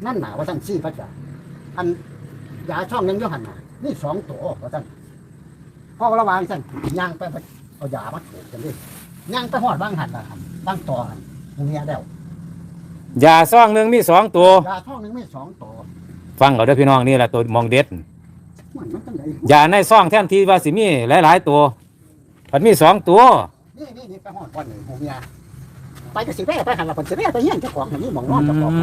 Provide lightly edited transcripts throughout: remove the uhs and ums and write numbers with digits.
นั่นหนาว่าสั่นซี่พระจ่าอันยาช่องยังย่อหันหนานี่2 ตัวว่าสั่นพ่อระวังสั่นย่างไปเอายามาถูกกันดิย่างไปหอดบ้างหันละหันบ้างต่อหันตรงนี้แล้วยาซ่องหนึ่งมี2 ตัวยาช่องนึงไม่2 ตัวฟังเอาเด้อพี่น้องนี่แหละตัวมองเด็ดมันจังไดยาในซ่องแทนที่ว่าสิมีหลายๆตัวมันมี2 ตัวนี่ไปหอดก่อนเลยหูเมียไปก็สิแม่ไปหันละคนสิแม่ไปเฮียนเจ้าของอย่างนี้หมองนอนเจ้าของ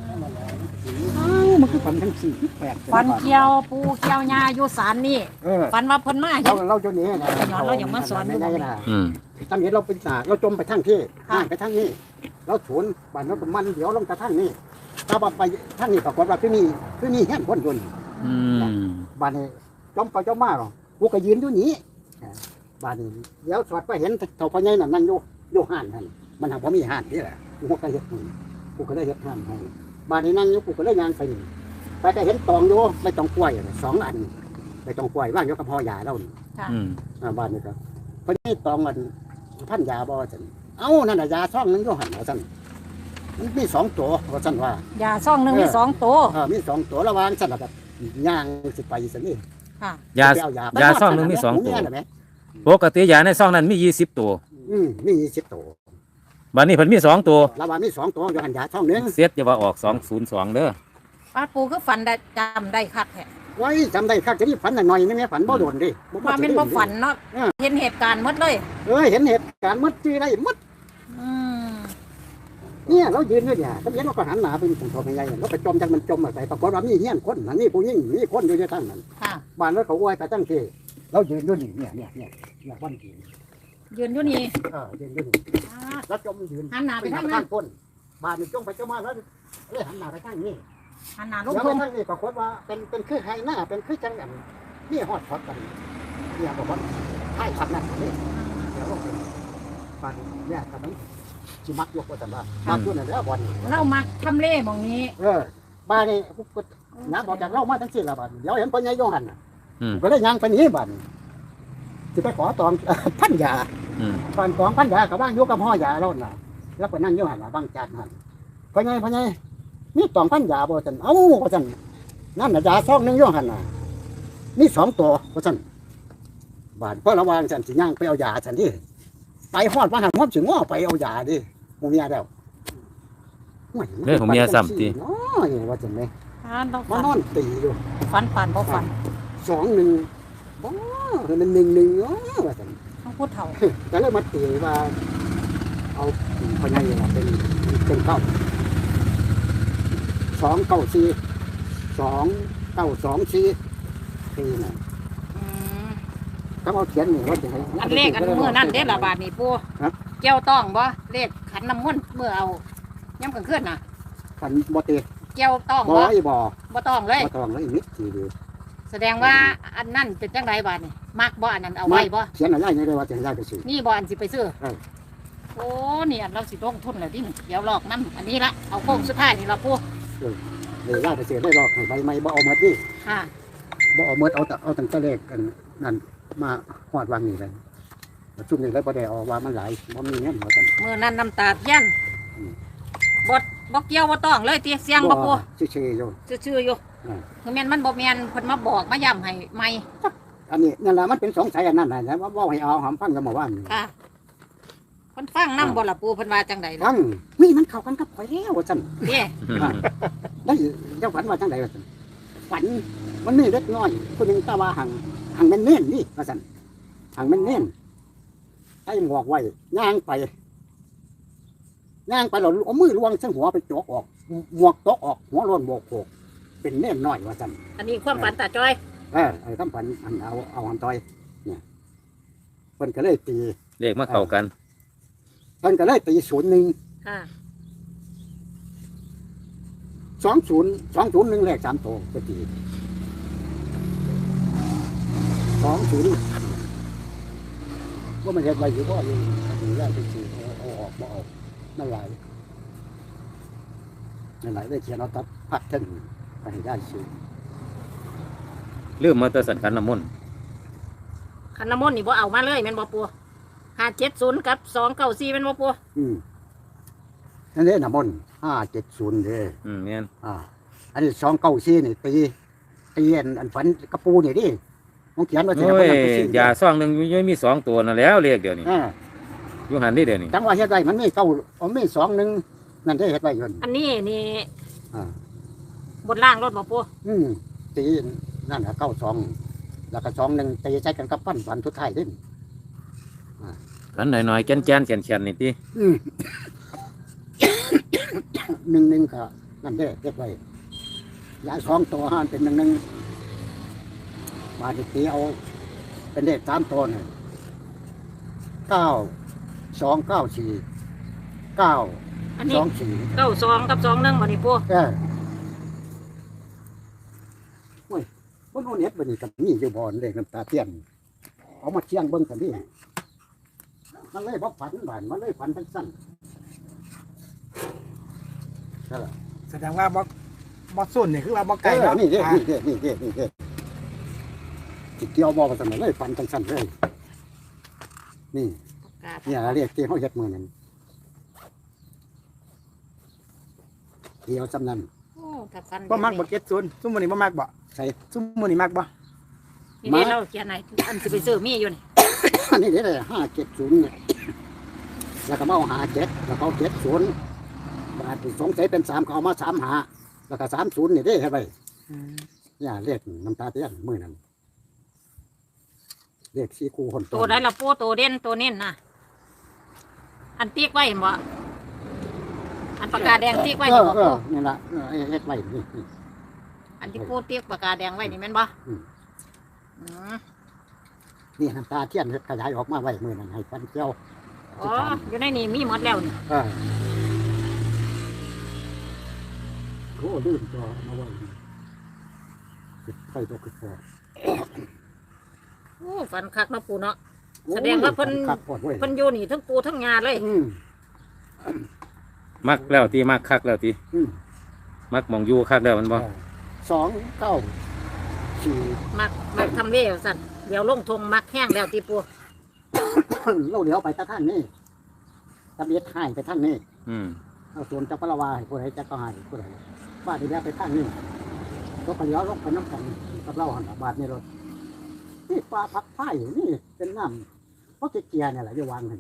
มันคือฝันทั้ง4 8 ฟันเกี่ยวปูเกี่ยวยาอยู่ศาลนี่ฟันว่าเพิ่นมาเห็นเราจนนี้นะย้อนเราอย่างมาสอนไม่ได้นะอืมตอนนี้เราเป็นสาเราจมไปทั้งที่ห่างไปทั้งนี้เราสวนบ้านเรามันเดี๋ยวลงไปทั้งนี้ถ้าไปทั้งนี้ปรากฏว่าที่นี่เฮียนคนยนต์อืมบ้านนี้จมไปจมมาหรอกูก็ยืนอยู่นี้บ้านนี้เดี๋ยวสอดไปเห็นเท่าพ่อใหญ่นั่นอยู่ห้านท่านมันทางพ่อมีห้านนี่แหละกูก็เฮ็ดกูก็ได้เฮ็ดห้านให้บ้านนี้นั่งอยู่กูก็ได้ยางไปไปก็เห็นตองอยู่ไม่ต้องกล้วย2 อันไม่ต้องกล้วยว่างอยู่กับพ่อยาเราอืมบ้านนี้ก็พ่อใหญ่ตองมันพันยาบ่ซั่นเอ้านั่นน่ะยาซ่องนึงอยู่หั่นว่าซั่นมันมี2 ตัวว่าซั่นว่ายาซ่องหนึงมี2 ตัวมี2 ตัวระหว่างซั่นแล้วก็ย่างสิไปซั่นนี่ค่ะยาไปเอยาซ่องหนึ่งมี2 ตัวแม่ปกติยาในซ่องนั้นมี20 ตัวมี20 ตัวบัดนี้เพิ่นมี2 ตัวระหว่างมี2 ตัวอยู่หันยาซ่องนึงเสียดอย่าว่าออก202เด้อป้าปูคือฟันได้จำได้คักแท้ไว้จำได้ครับจะนี่ฝันหน่อยๆนี่แม่ฝันบ่โดนดิว่าเป็นบ่ฝันเนาะเห็นเหตุการณ์หมดเลยเห็นเหตุการณ์มัดจื้อได้มัดอืมเนี่ยเรายืนอยู่เนี่ยก็เห็นเราก็หันหน้าไปตรงตัวใหญ่เราไปจมจังมันจมไปปรากฏว่ามีเฮี้ยนคนนั่นนี่ผู้หญิงมีคนอยู่ในทั้งนั้นค่ะบ้านเราเขาไหว้ไปตั้งที่เรายืนอยู่นี่เนี่ยวันกินยืนอยู่นี่ยืนอยู่นี่แล้วจมยืนหันหน้าไปทางนั้นข้างก้นบ้านนี่จมไปจมมาแล้วเลยหันหน้าไปทางนี้หันหน้าลแล้งวทงทางนี้ปรากฏว่าเป็นคือไฮหน้าเป็นคือจังอย่างนี่ฮอดช็อตกันเนี่ยบอกว่าไฮช็อตนั่นนี่เดี๋ยวลงไปบ้านเนี่ยกำลังจิมักยกว่าแต่ว่ามักอยู่นั่นแล้วบอลเรามักทำเลหม่องนี้บ้านนี่กูน้ำบอกจากเรามาทั้งสิ้นละบ้านเดี๋ยวเห็นปัญญาโยหันอืมก็เลยย่างไปนี้บ้านจะไปขอตองพันยาอืมตอนของพันยากับบ้างยกกับพ่อยาเราน่ะแล้วไปนั่งโยหันบางจานหันปัญญานี่ตองพันยาบ่จันเอ้าบ่จันนั่นน่ะยาซองนึงโยหันน่ะนี่2 ตัวบ่จันบ้านเพราะระวังจันสิย่างไปเอายาจันที่ไปฮอดบ้านหันฮอดสิง้อไปเอายาดิหมู่เมียแล้วโอ้ยว่าจันไหมอ่านเรามาฝันนอนตีอยู่ฝันปานบ่ฝัน 2-1บ่มัน1-1ว่าจันต้องพูดเถ่าแต่เลยมาตีว่าเอาพญายเป็นเก้า294ปีน่ะอืมถ้าเอาเขียนนี่ว่าจะให้อันเลขอันมื้อนั่นเด้ละบาทนี่ปูเกี่ยวต้องบ่เลขขันน้ำมนต์เมื่อเอาย่ำกลางคืนน่ะขันบ่ตีเกี่ยวต้องบ่บ่ไอ้บ่บ่ต้องเลยบ่ต้องเลยมิดทีเดียวแสดงว่าอันนั้นเป็นจังไรบาทนี่มักบ่อันนั้นเอาไว้บ่เขียนอะไรนี่เลยว่าจะให้ได้ไปซื้อนี่บ่อันสิไปซื้อเออโอ้นี่อันเราสิลงทุนแล้วดิเดี๋ยวลอกน้ำอันนี้ละเอาโค้งสุดท้ายนี่ละปูเลยได้ไปซื้อได้หรอกให้ใบไม้บ่เอาหมดนี่ค่ะบ่เอาหมดเอาตั้งแต่เลขกันนั่นมาฮอดวางนี่เลยซุ่มนี่เลยบ่ได้เอาว่ามันหลายบ่มีเงินว่าซั่นมื้อนั้นน้ำตาเทียนบ่เกี่ยวบ่ต้องเลยติเสียงบ่ปูชื่อๆอยู่ชื่อๆอยู่คือแม่นมันบ่แม่นเพิ่นมาบอกมาย้ำให้ใหม่อันนี้นั่นแหละมันเป็นสงสัยอันนั้นแหละว่าให้เอาหอมฟังกันมาว่าค่ะเพิ่นฟังนำบ่ล่ะปูเพิ่นว่าจังได๋ฟังนี่มันเข้ากันกับข่อยแล้วว่าซั่นเด้ได้เจ้าฝันว่าจังไดว่าซั่นฝันมันมีเล็กน้อยคนหนึงตาว่าหังแม่นเน่นนี่ว่าซั่นหังแม่นเน่นให้หมวกไว้ย่างไปแล้วเอามือล้วงซึ่งหัวไปจกออกหมวกตกออกหัวโล้นโบกโขกเป็นเน่นน้อยว่าซั่นอันนี้ความฝันตาจ้อยคำฝันอันเอาหันต่อยเนี่ยเพิ่นก็เลยตีเลขมาเข้ากันเพิ่นก็เลยตี01 ค่ะ 201เลข3ตัวก็ตี20ว่ามันเฮ็ดไว้อยู่บ่อยู่อยู่แล้วไปซื้อเอาออกบ่ออกนั่นหลายได้เขียนเอาตับพักถึงไปให้ได้ซื้อลืมมาแตสันขันน้ำมนต์คันน้ำมนต์นี่บ่เอามาเลยแม่นบ่ปู570กับ294แม่นบ่ปูนั่นเด้น้ำมนต์570เด้แม่นอันนี้294นี่ตีอันฝันกระปูนี่ดิผมเขียนไว้สิโอ้บ่ยนำไปซื้อยาซองหนึงมี2ตัวนั่นแล้วเลขเดี๋ยวนี้อ่าอยู่หันนี่เดี๋ยวนี้จังว่าเฮ็ดไว้มันมีมี2 1นั่นได้เฮ็ดไว้อยู่อันนี้นี่อ่าบนล่างรถบ่ปูตีนั่นน่ะ92แล้วก็2 1ตีใช้กันกับปั้นฝันสุดท้ายเด้ขันหน่อยๆแก่นๆแข็งๆนี่ติ 1ก็นั่นเด้เฮ็ดไว้ยา2ตัวห้านเป็น1บาดนี้ตีเอาเป็นเลข3ตัวน่ะ9294 อันนี้ 924 92กับ21บ่นี่ปูโอ้ยบ่รู้เน็ตบัดนี้ก็มีอยู่บ่อนเลขน้ำตาเทียนเอามาเชียงเบิ่งกันดิมันเลยบ่ฝันบานมันเลยฝันทั้งสั้นนั่นล่ะแสดงว่าบ่ส่วนนี่คือว่าบ่ไกลเนาะเนาะนี่เด้สิเกี่ยวบ่ว่าซั่นน่ะเลยฝันทั้งสั้นเลยนี่เนี่ยเรียกที่เฮาเฮ็ดมื้อนั้นเกี่ยวสำนั้นโอ้ถ้าฟันบ่มักบ่70ซุมมื้อนี้บ่มักบ่ใส่ซุมมื้อนี้มักบ่นี่เด้เราเขียนไหนอันสิไปซื้อมีอยู่นี่อันนี้เด้เลย570เนี่ยแล้วก็มาเอา57แล้วก็เอา70บาทสงสัยเป็น3ก็เอามา35แล้วก็30นี่เด้ให้ไว้เนี่ยเรียกน้ำตาเทียนมื้อนั้นเรียก4คู่คนตัวใดล่ะปูตัวเด่นตัวเน้นน่ะอันติ๊กไว้เห็นบ่อันปากกาแดงติ๊กไว้นี่บ่ปูนี่ล่ะเฮ็ดไว้นี่อันที่ปูติ๊กปากกาแดงไว้นี่แม่นบ่อืมนี่น้ำตาเทียนขยายออกมาไว้มื้อนั้นให้ฟันเกี่ยวอ๋ออยู่ในนี่มีหมดแล้วนี่โอ้ลืมตัวมาไว้ใส่ตัวคือพอโอ้ฟันคักเนาะปูเนาะ แสดงว่าเพิ่นครับพอด้วยเพิ่นอยู่นี่ทั้งปูทั้งงาเลยมักแล้วติมักคักแล้วติมักหมองอยู่คักแล้วมันบ่ 294 มักทำเววสั่นเดี๋ยวลงทงมักแห้งแล้วตีปูเราเดี๋ยวไปตะท่านนี่ตะเบียดให้ไปท่านนี่อืมเอาส่วนจักรวาให้ผู้ใดจักรให้ผู้ใดบ้านที่แล้วไปท่านนี่ก็ไปเลี้ยวลงไปน้ำกันกับเราหันบาทนี่รถนี่ปลาพักไผ่นี่เป็นน้ำเพราะเกียร์เนี่ยแหละจะวางให้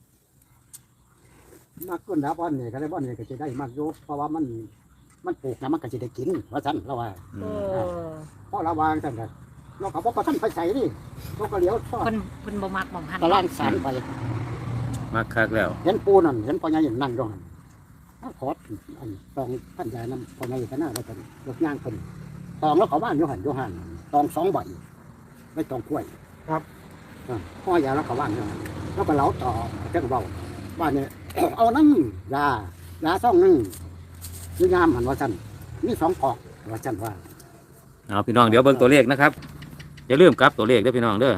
มากขึ้นแล้วบ้านนี่ก็ได้บ้านนี่ก็จะได้มากโยเพราะว่ามันปลูกนะมันก็จะได้กินว่าสั่นเราว่าโอ้เพราะเราวางสั่นกันเราก็บอกว่าท่านไปใส่นี่เราก็เลี้ยวทอดเพิ่นบ่มักบ่หันตะล่างสารไปมักคักแล้วเห็นปูนั่นเห็นพ่อใหญ่นั่งอยู่หันขอดอันตองท่านใหญ่นำพ่อใหญ่กันหน้าว่าเป็นรถย่างคนตองแล้วเขาบ้านอยู่หันตอง2 ใบไม่ตองกล้วยพ่อใหญ่แล้วเขาบ้านอยู่หันแล้วก็เล้าต่อเจ้าเบาบ้านเนี่ย เอานั่งยาซ่องนึงยืนยามหันว่าจันมี2 กอกว่าจันว่าเอาพี่น้องเดี๋ยวเบิ่งตัวเลขนะครับอย่าลืมกลับตัวเลขเด้อพี่น้องเด้อ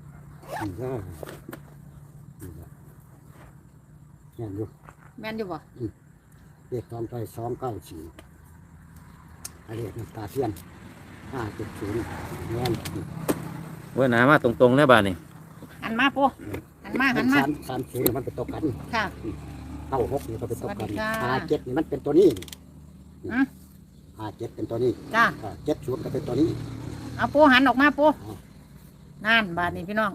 เนี่ยอยู่แม่นอยู่บ่เรียกตอนไป294อะไรน้ำตาเทียน570แม่นเว้ยหนามาตรงๆแล้วบาดนี้หันมาปูหันมา 30มันเป็นตัวกันค่ะ 96นี่ก็เป็นตัวกันสวัสดีค่ะ 57นี่มันเป็นตัวนี้อืม 57เป็นตัวนี้จ้า 70ก็เป็นตัวนี้เอาปูหันออกมาปูนั่นบาดนี้พี่น้อง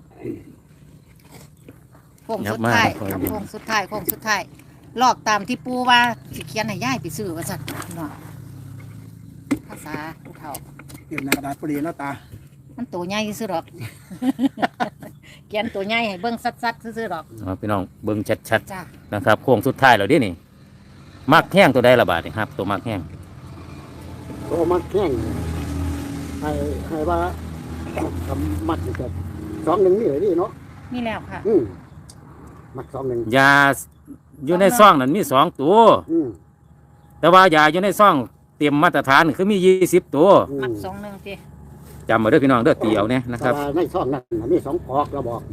โค้งสุดท้ายครับโค้งสุดท้ายลอกตามที่ปูว่าสิเขียนให้ยายไปซื้อว่าซั่นพี่น้องภาษาผู้เฒ่าเก็บในกระดาษพอดีเนาะตามันตัวใหญ่ซื่อๆหรอก เขียนตัวใหญ่ให้เบิ่งสัดๆซื่อๆหรอกเอาพี่น้องเบิ่งชัดจ้าๆนะครับโค้งสุดท้ายแล้วดินี่มักแห้งตัวใดละบาดนี่ครับตัวมักแห้งโตมักแข้งให้ว่าทำมัดอยู่กับ2-1นี่เลยนี่เนาะมีแล้วค่ะมัก2-1 ยาอยู่ในซองนั้นมี2ตัว แต่ว่ายาอยู่ในซองเตรียมมาตรฐานคือมี20ตัวมัก21ติจำมาเด้อพี่น้องเด้อตีเอาเนี่ยนะครับแต่ว่าในช่องนั้นน่ะมี2 กอกเราบอก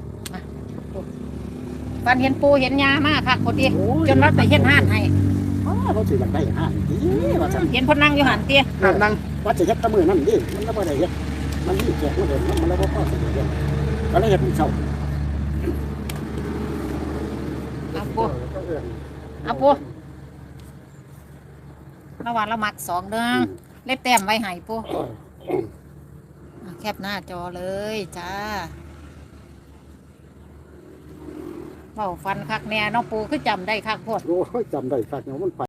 ฟันเห็นปูเห็นยามาคักพอดีจนว่าไปเฮ็ดห้านให้เขาสิอยากได้ห้างดีว่าซั่นเห็นเพิ่นนั่งอยู่หันตินั่งว่าจะเฮ็ดแตะมือนั่นดิมันก็บ่ได้เฮ็ดมันมีแจกมาเดินมันแล้วบ่พอสิเฮ็ดก็เลยเฮ็ดเป็นเช้าเอาปูเอาปูเอาระหว่างละมัก2เด้อเล็บแต้มไว้ให้ปูแคปหน้าจอเลยจ้าเว้าฟันคักแน่เนาะปูคือจำได้คักโพดโอ้ยจำได้คักเนาะมัน